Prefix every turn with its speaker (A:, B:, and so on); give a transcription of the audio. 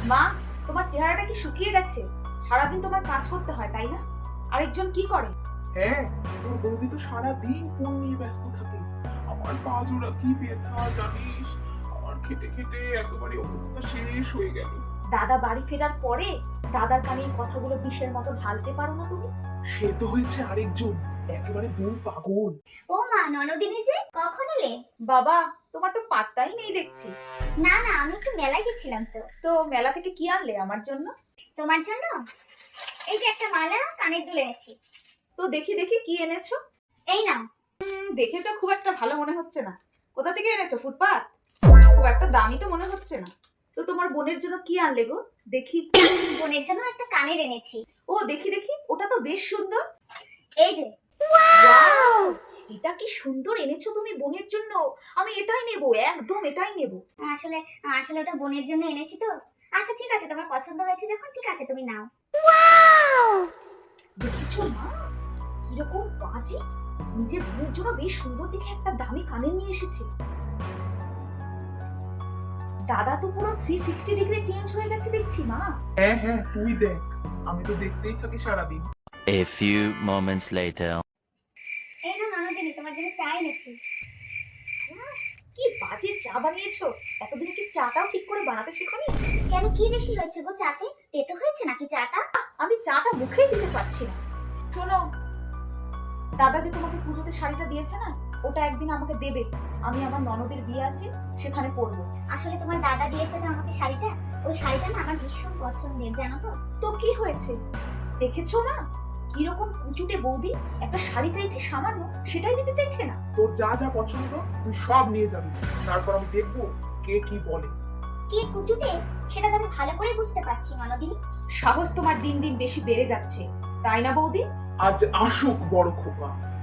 A: মা, তোমার চেহারাটা কি শুকিয়ে গেছে? সারাদিন তোমার কাজ করতে হয় তাই না? আরেকজন কি করে?
B: হ্যাঁ, তোর বৌদি তো সারাদিন ফোন নিয়ে ব্যস্ত থাকে। আমার পা জোড়া কি ব্যথা জানিস। আমার খেটে খেটে একেবারে অবস্থা শেষ হয়ে গেল।
A: দাদা বাড়ি ফেরার পরে দাদার কানে এই কথাগুলো বিষের মতো ঢালতে পারো না তুমি?
B: সে তো হয়েছে আরেকজন, একেবারে বউ পাগল।
C: ও মা, ননদিনী যে কখন এলে?
A: বাবা, তোমার তো পাত্তাই নেই দেখছি।
C: না না, আমি একটু মেলায় গেছিলাম তো।
A: তো মেলা থেকে কি আনলে আমার জন্য?
C: তোমার জন্য এই যে একটা মালা, কানের দুল এনেছি।
A: তো দেখি দেখি কি এনেছো।
C: এই নাও।
A: দেখে তো খুব একটা ভালো মনে হচ্ছে না। কোথা থেকে এনেছো? ফুটপাত? খুব একটা দামি তো মনে হচ্ছে না। তো তোমার বোনের জন্য কি আনলে গো? দেখি।
C: বোনের জন্য একটা কানের এনেছি।
A: ও দেখি দেখি, ওটা তো বেশ সুন্দর।
C: এই যে।
A: ওয়াও, এটা কি সুন্দর এনেছো তুমি বোনের জন্য। আমি এটাই নেব, একদম এটাই নেব।
C: আসলে আসলে ওটা বোনের জন্য এনেছি তো। আচ্ছা ঠিক আছে, তোমার পছন্দ হয়েছে যখন, ঠিক আছে তুমি নাও।
A: দেখেছো মা, কিরকম বাজে। নিজের বোনের জন্য বেশ সুন্দর দেখে একটা দামি কানের নিয়ে এসেছে। দাদা তো পুরো 360 ডিগ্রি চেঞ্জ হয়ে গেছে দেখছি মা।
B: হ্যাঁ হ্যাঁ, তুই দেখ, আমি তো দেখতেই থাকি সারাদিন।
D: A few moments later.
C: এই না ননদিনী, তোমার জন্য চা এনেছি।
A: কি বাজে চা বানিয়েছো। এতদিন কি চাটাও ঠিক করে বানাতে শেখোনি?
C: কেন, কি বেশি হয়েছে গো চাতে? তেতো হয়েছে নাকি চাটা?
A: আমি চাটা মুখেই দিতে পারছি না। শোনো, দাদা যে তোমাকে পুজোতে শাড়িটা দিয়েছে না, ওটা একদিন আমাকে দেবে। আমি আমার ননদের বিয়ে আছে, সেখানে পরবো।
C: আসলে তোমার দাদা দিয়েছে তো আমাকে শাড়িটা। ওই শাড়িটা না আমার ভীষণ পছন্দের, জানো তো।
A: তো কি হয়েছে? দেখেছো না কিরকম কুচুটে বৌদি, একটা শাড়ি চাইছি সামান্য, সেটাই দিতে চাইছে না।
B: তোর যা যা পছন্দ তুই সব নিয়ে যাবি, তারপর আমি দেখবো কে কি বলে।
C: কে কুচুটে সেটা তো আমি ভালো করে বুঝতে পারছি ননদিনী।
A: সাহস তোমার দিন দিন বেশি বেড়ে যাচ্ছে, তাই না বৌদি?
B: আজ আসুক বড় খোকা।